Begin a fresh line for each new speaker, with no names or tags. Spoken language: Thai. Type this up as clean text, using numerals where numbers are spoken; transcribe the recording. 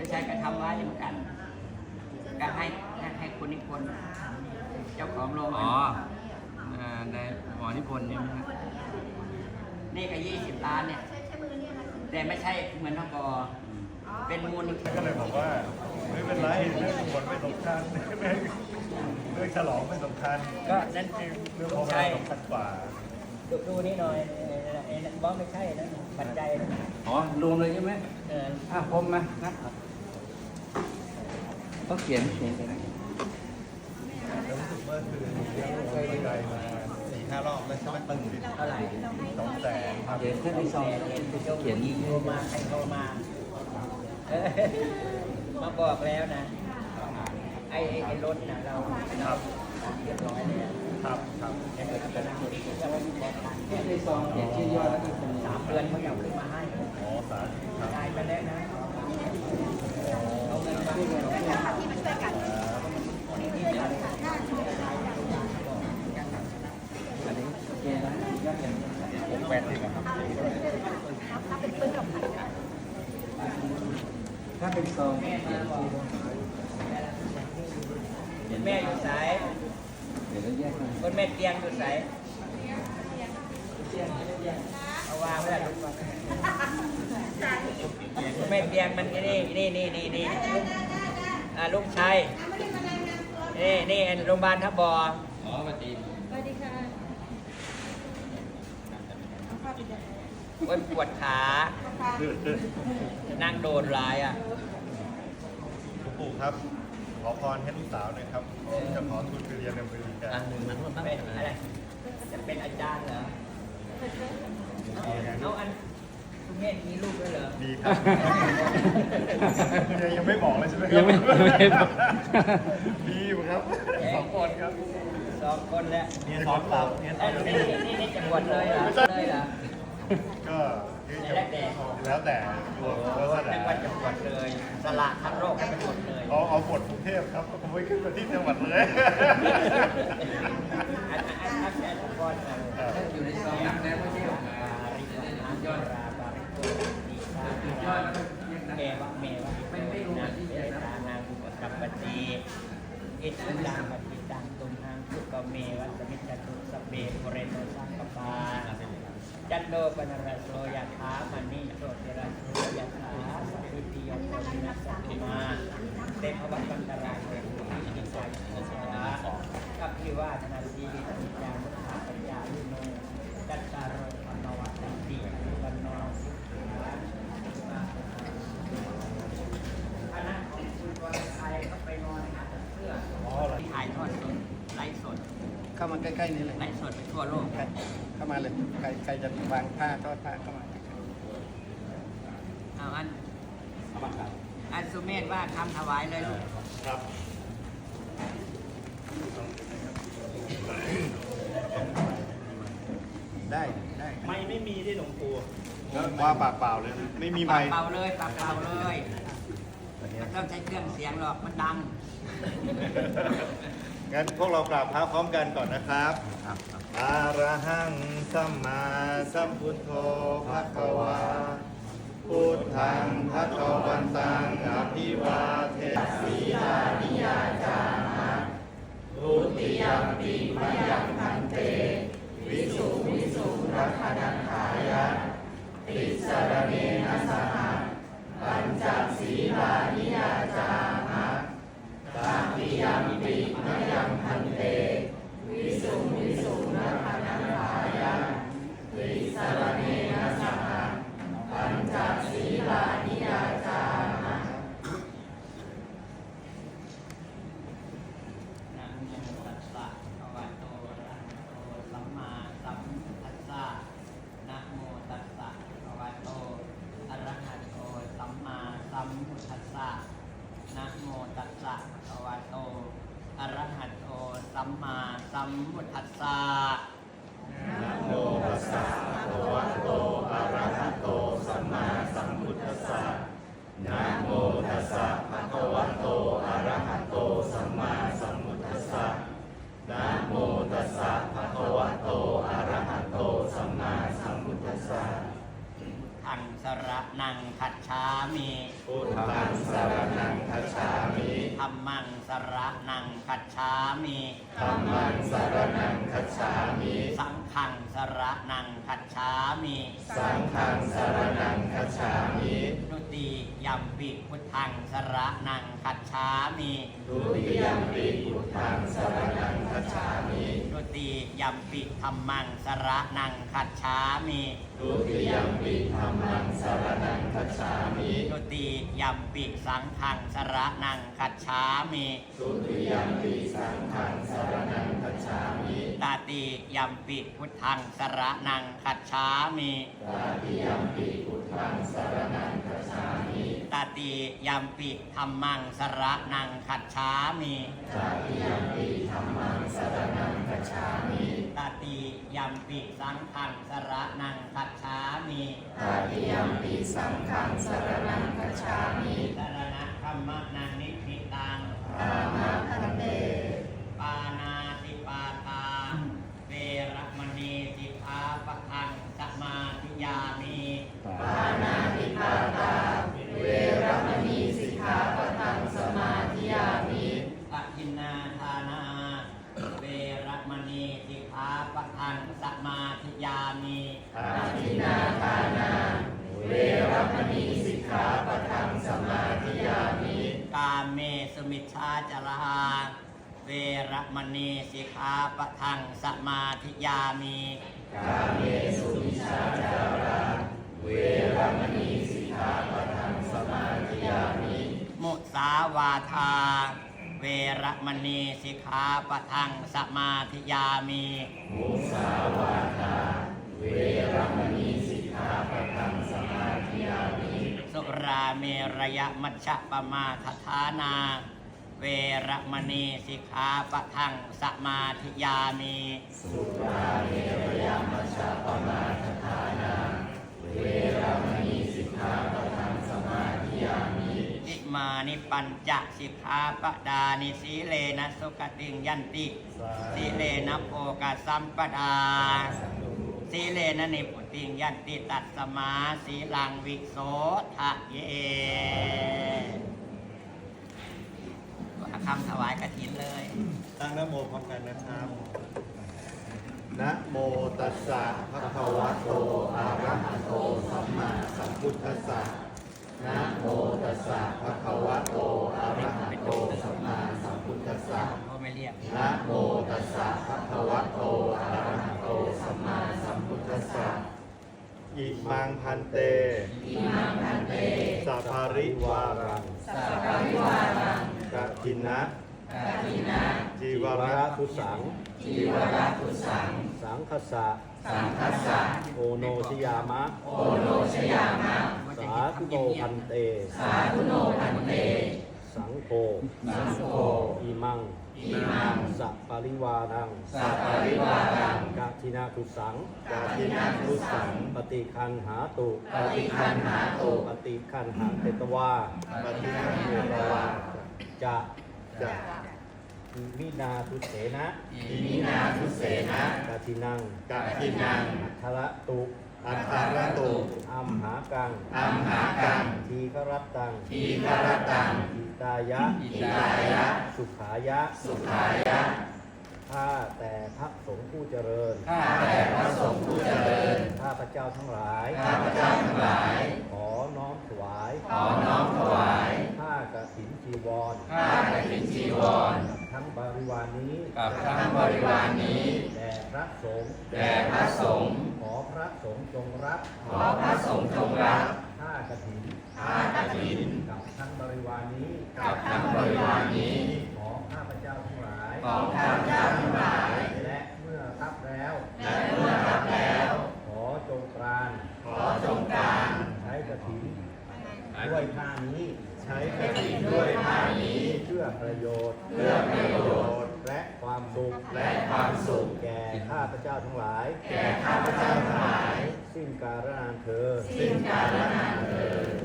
ใช่ก็ทำไว้เหมือนกันก็ให้คุณนิพนธ์เจ้าของโรง
ในหมอนิพนธ์เนี่ยนะ
นี่ก็20 ล้านเนี่ยแต่ไม่ใช่เหมือนทบเป็นมูลนิธิ
ก็เลยบอกว่าไม่เป็นไรเรื่องผลไม่สำคัญเรื่องฉลองไม่สำคัญ
ก็นั่นคือ
เรื่องของเราสำคัญกว่า
ดูนี่หน่อยบอสไม่ใช่นะปัจจัยนะ
รวมเลยใช่ไหม ผมนะต้องเขียนไปนะ
แล้วรู้สึกว่าคือเลี้ยงลูกไปไกลมา4-5 รอบแล้วใช่ไหมตึง
เท่าไหร่
200,000ครับ
เขียนแค่ที่ซองเขียน
โทรมาใครโทรมามาบอกแล้วนะไอ้รถนะเราเรียบร้อยเลย
ครับครับ
แค่เกิดจะนั่งอยู่ที่จะว่ามีบอกกัน
แค่ที่ซองเขียนชื่อย่อแล้วก็เป็น
3 เดือนเขาเอาขึ้นมาให้
อ๋อสาธุครับ
ได้ไปแล้วนะเอาเงินมาให้เรา
อันนี้โอเคนะยอดเงิน
80ครับ
ถ้าเป็นซองเขียนชื่อ
แม่อยู่สาย
เดี๋ยวเราแยกกัน
คนแม่เตียงอยู่สายเอาวางไว้ลูกวางคนแม่เตียงมันนี่ลูกชายนี่โรงพยาบาลทับบอ
ปฏิ
สวัสดีค่ะ
ปวดขา นั่งโดนร้ายอ่ะ
หลวงปู่ครับ ขอพรให้ลูกสาวหน่อยครับจะขอทุนไปเรียนในอเมริกา
เป็นอะไรจะเป็นอาจารย์เหรอเอาอันคุณแม่มีลูกด้วยเหรอ
ดีครับยังไม่บอกเลยใช่ไหมครั
ยังไม่บอก
ดีอยู่ครับ2 คนครับ
2 คนแล้ว
เรียนสอนเราเรียนสอนเรา
นี่จะบวชเลยเหรอเลยเหรอ
ก็คือจะ
แล้วแต่
แล้วแต่แล้วแต่
จังหวัดจะบวชเลยสละทั้งโลกให้เป็นบวชเลย
เอาบทกรุงเทพครับผมไม่ขึ้นมาที่จังหวัดเลย
อันก่อน
อยู่ในซองนับแล้วไม่ใช่หรอ
ยอดราบาริโกดีชาเกวะเมวะไม่รู้นะที่จะทานางกุปกัปปติอิทุดังปฏิตังตุมหังสุกเมวะสมิจจตุสเปโพเรโนสังกปาจันโดปนรสโสยะถามณีโสติระโสยะถาสัพพิติโยโควินัสสตุมาเตภวัตปันตรายโยอินิสัยสระกัปพิวาทนาสีวิจิจามุขะปัญญาลุโนจัตตารโอปนวัตติวันโนสุขังคณะของคุณวรชัยก็ไปนอนหาเสื้อที่ถ่ายทอดสดไลฟ์สด
เข้ามาใกล้ๆนี่เลย
ไลฟ์สดไปทั่วโลก
เข้ามาเลยใครจะวางผ้าทอดผ้าเข้ามา
เอาอันสุเมธว่าทำถวายเลยลูก
ครับ
ได้ได้
ไม่มีที่หลวงปู่ว่าปากเปล่าเลย ไม่มี
ปา
ไม้
กเป่าเลยปากเป่าเลยไม่ต้องใช้เครื่องเสียงหรอกมันดัง
งั้นพวกเรากราบพระพร้อมกันก่อนนะครับอะระหังสัมมาสัมพุทโธภะคะวาพุทธังภะคะวันตังอภิวาเทสีลานิยาจามะทุติยัมปิมะยังพันเต วิสุวิสุรัตนังขายะติสรเนนะสหะปัญจศีลานิยาจามะตติยัมปิมะยังพันเต วิสุวิสุรัตนังขายะติสรเนนะสหะปัญจศีลานิยาจามะ
นะโมตัสสะภะคะวะโตอะระหะโตสัมมาสัมพุทธัสสะนะโมตัสสะภะคะวะโตอะระหะโตสัมมาสัมพุทธัสสะนะโมตัสสะภะคะวะโตอะระหะโตสัมมาสัมพุทธัสสะ
นะโมตัสสะภะคะวะโตอะระหะโตสัมมาสัมพุทธัสสะนะโมตัสสะภะคะวะโตอะระหะโตสัมมาสัมพุทธัสสะนะโมตัสสะภะคะวะโตอะระหะโตสัมมาสัมพุทธัสสะ
ทังสระนังคัจฉามิ
พุทธัธังสรณังคัจฉามิ
ธัมมังสรณังคัจฉามิ
ธัมมังสรณังคัจฉามิ
สังฆังสรณังคัจฉามิ
สังฆังสรณังคัจฉามิ
ทุติยัมปิพุทธังสรณังคัจฉามิ
ทุติยัมปิพุทธังสรณังคัจฉามิ
ทุติยัมปิธัมมังสรณังคัจฉามิ
ทุติยัมปิธัมมังสรณังคัจฉามิ
ทุติยัมปิสังฆังสรณังคัจฉามิ
ทุติยัมปิสังฆังสรณังคัจฉามิ
ตาติยัมปิพุทธังสรณังคัจฉามิ
ตาติยัมปิพุทธังสรณังคัจฉามิ
ตาติยัมปิธัมมังสรณังคัจฉามิ
ตาติยัมปิธัมมังสรณังคัจฉามิ
ตาติยัมปิสังฆังสรณังคัจฉามิ
ตาติยัมปิสังฆังสรณังคัจฉามิ
สรณะธัมมนังนิพพิตัง
อามาคันเต
ปานาติปาตา เวรมณีสิกขาปะทังสมาธิยามิ
ปานาติปาตา เวรมณีสิกขาปะทังสมาธิยามิ
อะทินนาทานา เวรมณีสิกขาปะทังสมาธิยามิ
อาทินนาทานา เวรมณีสิกขาปะทังสมาธิยามิ
กาเมสุมิชฌาจารา เวรมณีสิกขาปะทังสมาธิยามิ
กาเมสุมิชฌาจารา เวรมณีสิกขาปะทังสมาธิยามิ
มุสาวาทา เวรมณีสิกขาปะทังสมาธิยามิ
มุสาวาทา เวรมณีสิกขาปะทังสมาธิยามิ
สุราเมรยมัชฌะปมาทฐานา เวรมณีสิกขาปะทังสมาธิยามิ
สุราเมรยมัชฌะปมาทฐานา เวรมณีสิกขาปะทังสมาธิยามิ
อิมานิปัญจสิกขาปดานิสีเลนะสุขติงยันติสีเลนะโภกสัมปดาสีเลนะนิพุติงยันติตัสสมาสีลังวิโสทะเยคำถวายกฐินเลย
ตั้งนะโมพร้อมกันนะครับ นะโมตัสสะภะคะวะโต อะระหะโต สัมมาสัมพุทธัสสะ นะโมตัสสะภะคะวะโต อะระหะโต สัมมาสัมพุทธัสสะ
เขาไม่เรียก
นะโมตัสสะภะคะวะโต อะระหะโต สัมมาสัมพุทธัสสะ อิมังพันเต สัพพาริวารัง กฐินะ จีวรทุสัง สังคสะ โอโนชยามะ สาธุโนพันเต สังโฆ อิมัง สัพปริวารัง กฐินะทุสัง ปฏิคันหาตุ ปฏิคันหาเตตวา จะวินาทุเสนะกฐินัง อัทระตุ อัมหากัง ทีฆรัตตัง อิตายะ สุขายะ ข้าแต่พระสงฆ์ผู้เจริญ ข้าพระเจ้าทั้งหลาย ขอน้อมถวายผ้ากฐินจีวร ทั้งบริวารนี้ แด่พระสงฆ์ ขอพระสงฆ์จงรับผ้ากฐิน กับทั้งบริวารนี้ ของข้าพเจ้าทั้งหลาย และเมื่อรับแล้ว ขอจงกรานใช้กฐินด้วยผ้านี้ เพื่อประโยชน์ และความสุข แก่ข้าพเจ้าทั้งหลาย สิ้นกาลนานเธอญ